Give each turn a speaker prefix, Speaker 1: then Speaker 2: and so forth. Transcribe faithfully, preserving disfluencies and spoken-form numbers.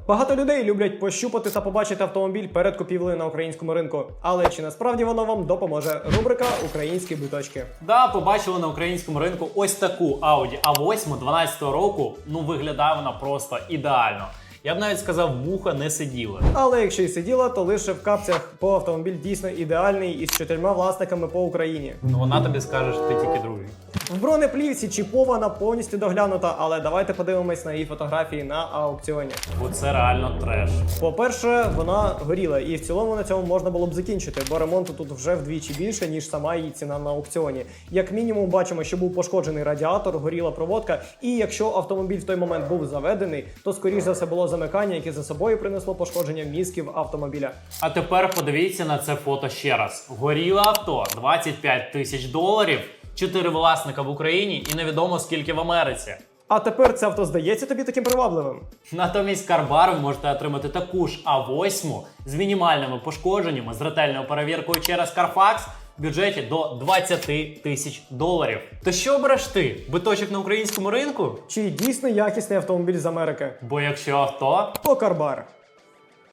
Speaker 1: Багато людей люблять пощупати та побачити автомобіль перед купівлею на українському ринку. Але чи насправді воно вам допоможе? Рубрика «Українські биточки».
Speaker 2: Да, побачили на українському ринку ось таку Audi а вісім дванадцятого року. Ну, виглядає вона просто ідеально. Я б навіть сказав, муха не сиділа.
Speaker 1: Але якщо й сиділа, то лише в капцях, бо автомобіль дійсно ідеальний із чотирма власниками по Україні.
Speaker 2: Ну вона тобі скаже, що ти тільки другий.
Speaker 1: В бронеплівці чіпована, повністю доглянута, але давайте подивимось на її фотографії на аукціоні.
Speaker 2: Бо це реально треш.
Speaker 1: По-перше, вона горіла, і в цілому на цьому можна було б закінчити, бо ремонту тут вже вдвічі більше, ніж сама її ціна на аукціоні. Як мінімум бачимо, що був пошкоджений радіатор, горіла проводка, і якщо автомобіль в той момент був заведений, то скоріш за все було замикання, яке за собою принесло пошкодження мізків автомобіля.
Speaker 2: А тепер подивіться на це фото ще раз. Горіле авто, двадцять п'ять тисяч доларів, чотири власника в Україні і невідомо скільки в Америці.
Speaker 1: А тепер це авто здається тобі таким привабливим?
Speaker 2: Натомість Carbar ви можете отримати таку ж а вісім з мінімальними пошкодженнями, з ретельною перевіркою через Carfax в бюджеті до двадцять тисяч доларів. То що обереш ти? Биточок на українському ринку?
Speaker 1: Чи дійсно якісний автомобіль з Америки?
Speaker 2: Бо якщо авто...
Speaker 1: То Carbar.